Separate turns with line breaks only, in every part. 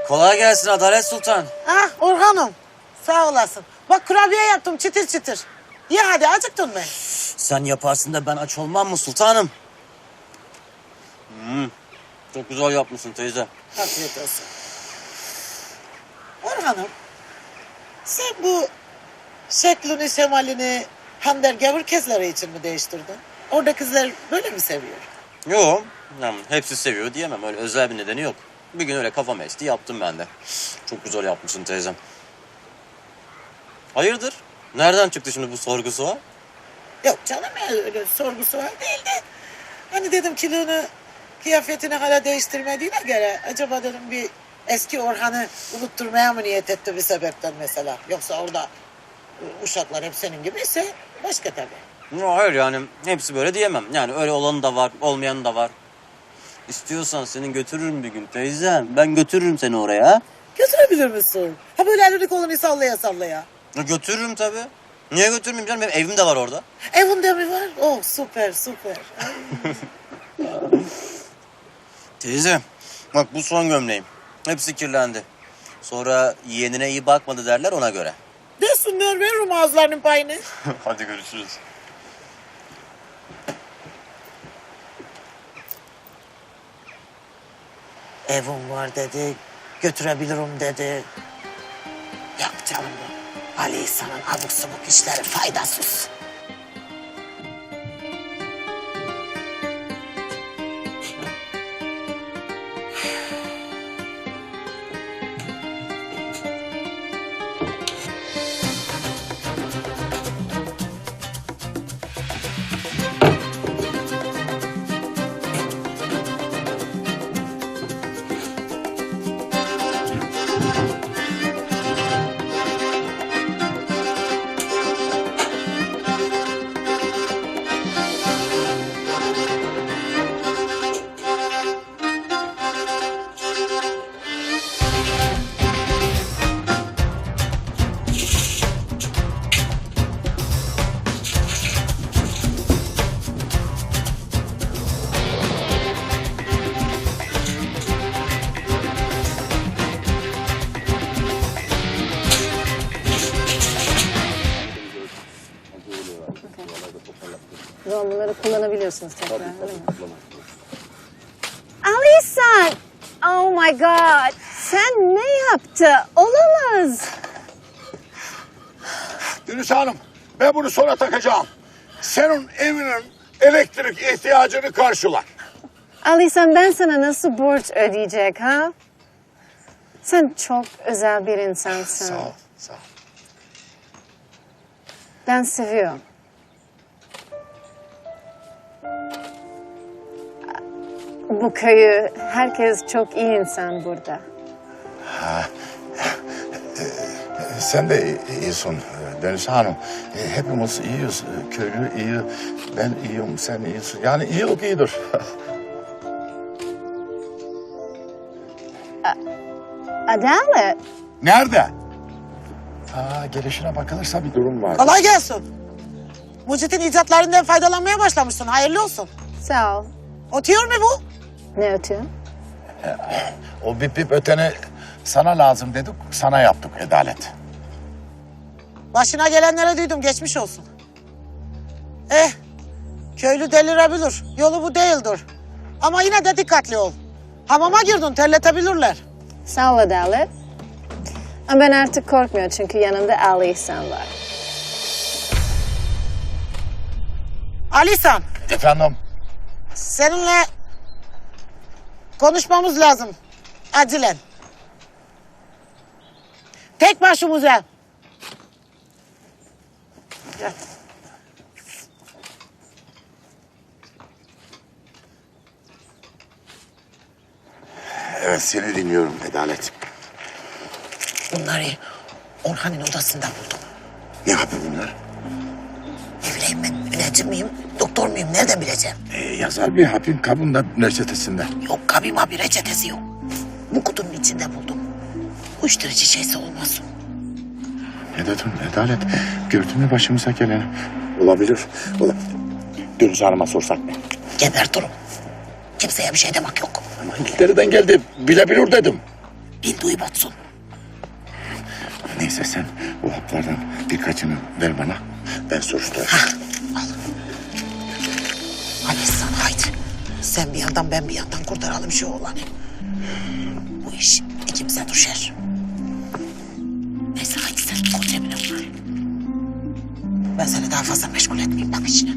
Kolay gelsin Adalet Sultan.
Ah Orhan'ım sağ olasın. Bak kurabiye yaptım çıtır çıtır. Ye hadi acıktın mı?
Sen yaparsın da ben aç olmam mı sultanım? Çok güzel yapmışsın teyze.
Afiyet olsun. Orhan'ım sen bu şeklini şemalini Hamder gavur kezleri için mi değiştirdin? Orada kızlar böyle mi seviyor?
Yok, yani hepsi seviyor diyemem. Öyle özel bir nedeni yok. Bir gün öyle kafam esti yaptım ben de. Çok güzel yapmışsın teyzem. Hayırdır? Nereden çıktı şimdi bu sorgusu var?
Yok canım ya öyle sorgusu var değil de. Hani dedim kilonu kıyafetini hala değiştirmediğine göre acaba dedim bir eski Orhan'ı unutturmaya mı niyet etti bir sebepten mesela. Yoksa orada uşaklar hep senin gibi ise başka tabii.
Yok, hayır yani hepsi böyle diyemem. Yani öyle olanı da var, olmayanı da var. İstiyorsan seni götürürüm bir gün teyzem. Ben götürürüm seni oraya.
Götürebilir misin? Ha böyle elini kolunu sallaya sallaya.
Ya götürürüm tabii. Niye götürmeyeyim canım? Benim evim de var orada.
Evinde mi var? Oh süper süper.
Teyze, bak bu son gömleğim. Hepsi kirlendi. Sonra yeğenine iyi bakmadı derler ona göre.
Desinler veririm ağızlarının payını.
Hadi görüşürüz.
Evim var dedi, götürebilirim dedi. Yok canım bu. Ali İhsan'ın abuk subuk işleri faydasız.
Tamam, bunları kullanabiliyorsunuz tekrar, değil mi? Ali İhsan! Oh my God! Sen ne yaptı? Olamaz!
Deniz Hanım, ben bunu sonra takacağım. Senin evinin elektrik ihtiyacını karşılar.
Ali İhsan, ben sana nasıl borç ödeyecek ha? Sen çok özel bir insansın.
Sağ ol, sağ ol.
Ben seviyorum. Bu köyü, herkes çok iyi insan burada.
Sen de iyisin Deniz Hanım. Hepimiz iyiyiz. Köylü iyi, ben iyiyim, sen iyisin. Yani iyilik iyidir.
Adalet.
Nerede? Gelişine bakılırsa bir durum var.
Kolay gelsin. Mucit'in icatlarından faydalanmaya başlamışsın. Hayırlı olsun.
Sağ ol.
Otuyor mu bu?
Ne ötüyor?
O bip bip öteni sana lazım dedik, sana yaptık Adalet.
Başına gelenlere duydum. Geçmiş olsun. Köylü delirebilir. Yolu bu değildir. Ama yine de dikkatli ol. Hamama girdin, terletebilirler.
Sağ ol Adalet. Ama ben artık korkmuyorum çünkü yanımda Ali İhsan var.
Alisan,
Efendim?
seninle konuşmamız lazım. Acilen. Tek başımıza. Gel.
Evet, seni dinliyorum Adalet.
Bunları Orhan'ın odasında buldum.
Ne yapıyor bunlar?
Ne bileyim ben, müneccim miyim, doktor muyum, nereden bileceğim?
Yazar bir hapin kabında reçetesinde.
Yok, kabima bir reçetesi yok. Bu kutunun içinde buldum. Uyuşturucu şeysi olmasın.
Ne dedin Adalet? Gördün mü başımıza geleni? Olabilir. Deniz Hanım'a sorsak mı?
Gebertirim. Kimseye bir şey demek yok.
Ama İngiltere'den geldi. Bilebilir dedim.
bildiği batsun.
Neyse sen bu haplardan birkaçını ver bana. Ben soruşturacağım.
Hadi sen haydi. Sen bir yandan ben bir yandan kurtaralım şu oğlanı. Bu iş ikimize düşer. Neyse haydi sen koy cebine bunları. Ben seni daha fazla meşgul etmeyeyim bak işine.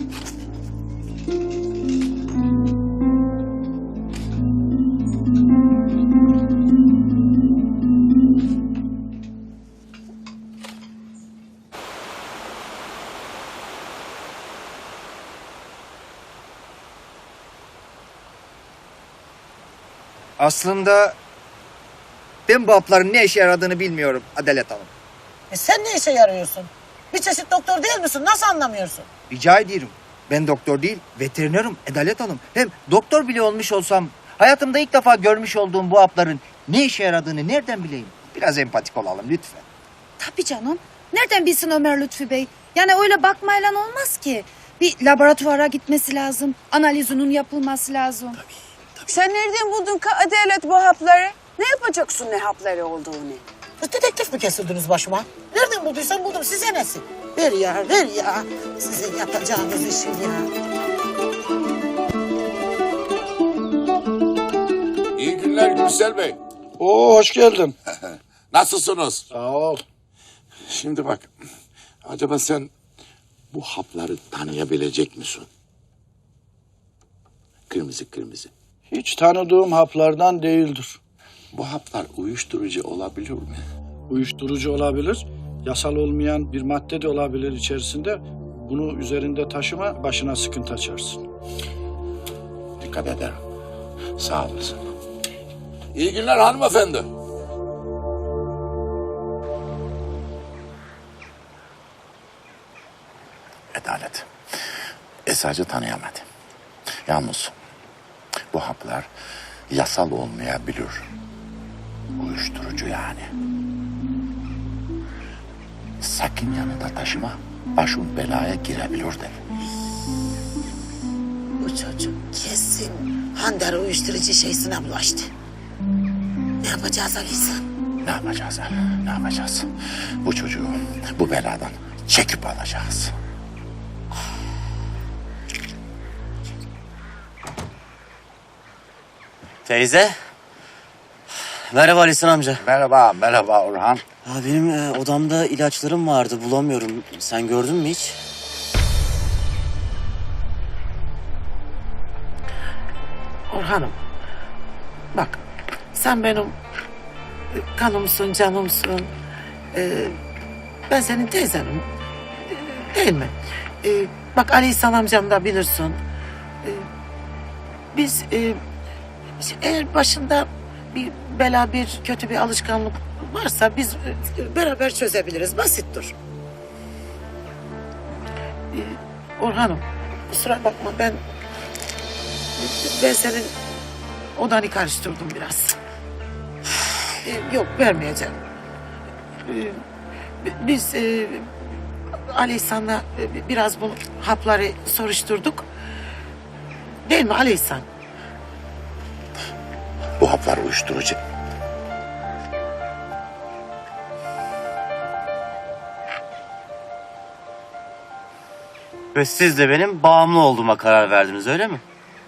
Aslında ben bu hapların ne işe yaradığını bilmiyorum Adalet Hanım.
Sen ne işe yarıyorsun? Bir çeşit doktor değil misin? Nasıl anlamıyorsun?
Rica ediyorum. Ben doktor değil, veterinerim Adalet Hanım. Hem doktor bile olmuş olsam hayatımda ilk defa görmüş olduğum bu hapların ne işe yaradığını nereden bileyim? Biraz empatik olalım lütfen.
Tabii canım. Nereden bilsin Ömer Lütfü Bey? Yani öyle bakmayla olmaz ki. Bir laboratuvara gitmesi lazım. Analizinin yapılması lazım.
Sen nereden buldun ka Adalet bu hapları? Ne yapacaksın ne hapları olduğunu?
Dedektif mi kesildiniz başıma? Nereden bulduysan buldum. Size nesin? Ver ya, ver ya. Sizin yapacağınız işin ya.
İyi günler Gürsel Bey.
Oo, hoş geldin.
Nasılsınız?
Sağ ol.
Şimdi bak, acaba sen bu hapları tanıyabilecek misin? Kırmızı kırmızı.
Hiç tanıdığım haplardan değildir.
Bu haplar uyuşturucu olabilir mi?
Uyuşturucu olabilir, yasal olmayan bir madde de olabilir içerisinde. Bunu üzerinde taşıma, başına sıkıntı açarsın.
Dikkat ederim. Sağ olasın. İyi günler hanımefendi.
Adalet. Esacı tanıyamadı. Yalnız bu haplar yasal olmayabilir. Uyuşturucu yani. Sakın yanında taşıma. Başın belaya girebilir de.
Bu çocuk kesin Handar'ı uyuşturucu şeysine bulaştı. Ne yapacağız Alisa?
Ne yapacağız ha? Ne yapacağız? Bu çocuğu bu beladan çekip alacağız.
Teyze. Merhaba Alisan amca.
Merhaba, merhaba Orhan.
Ha, benim odamda ilaçlarım vardı bulamıyorum. Sen gördün mü hiç?
Orhan'ım. Bak sen benim kanımsın, canımsın. Ben senin teyzenim. Değil mi? Bak Ali İhsan amcam da bilirsin. Biz eğer başında bir bela, bir kötü bir alışkanlık varsa biz beraber çözebiliriz. Basittir. Orhan'ım kusura bakma ben senin odanı karıştırdım biraz. Yok vermeyeceğim. Biz Ali İhsan'la biraz bu hapları soruşturduk. Değil mi Ali İhsan?
Bu haplar uyuşturucu.
Ve siz de benim bağımlı olduğuma karar verdiniz öyle mi?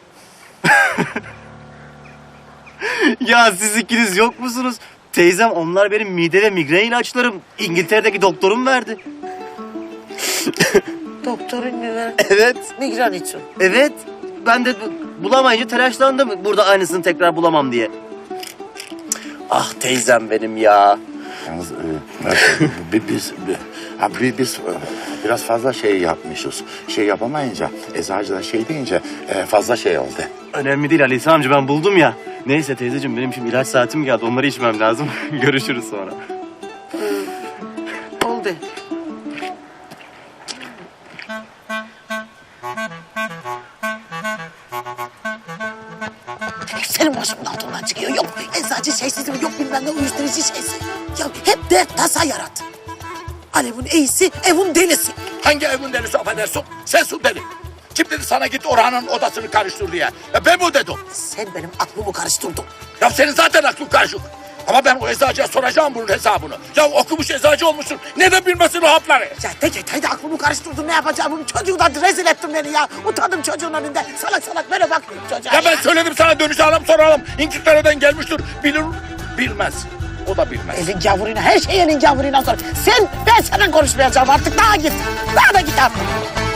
Ya siz ikiniz yok musunuz? Teyzem onlar benim mide ve migren ilaçlarım. İngiltere'deki doktorum verdi.
Doktorun mu verdi?
Evet,
Migren için.
evet. Ben de bulamayınca telaşlandım. Burada aynısını tekrar bulamam diye. Ah teyzem benim ya.
Yalnız biz biraz fazla şey yapmışız. Şey yapamayınca, eczacı da şey deyince fazla şey oldu.
Önemli değil Ali amca ben buldum ya. Neyse teyzeciğim benim şimdi ilaç saatim geldi. Onları içmem lazım. Görüşürüz sonra.
Oldu. Senin başımın altından çıkıyor. Yok eczacı şeysiz mi? Yok bilmem ne uyuşturucu şeysi. Ya hep dert tasa yarat. Alev'in iyisi, evin delisi.
Hangi evin delisi affedersin? Sensin deli. Kim dedi sana git Orhan'ın odasını karıştır diye? Ben mi dedim?
Sen benim aklımı karıştırdın.
Ya senin zaten aklın karışık. Ama ben o eczacıya soracağım bunun hesabını. Ya okumuş eczacı olmuşsun. Neden bilmesin o hapları?
Ya haydi aklımı karıştırdın, ne yapacağım? Bu çocuğu da rezil ettin beni ya. Utandım çocuğun önünde. Salak salak böyle bakıyorum çocuğa
Ya ben söyledim sana dönüş alalım soralım. İngiltere'den gelmiştir. Bilir, bilmez. O da bilmez.
Elin gavuruyla, her şey elin gavuruyla sor. Ben seninle konuşmayacağım artık. Daha git. Daha da git artık.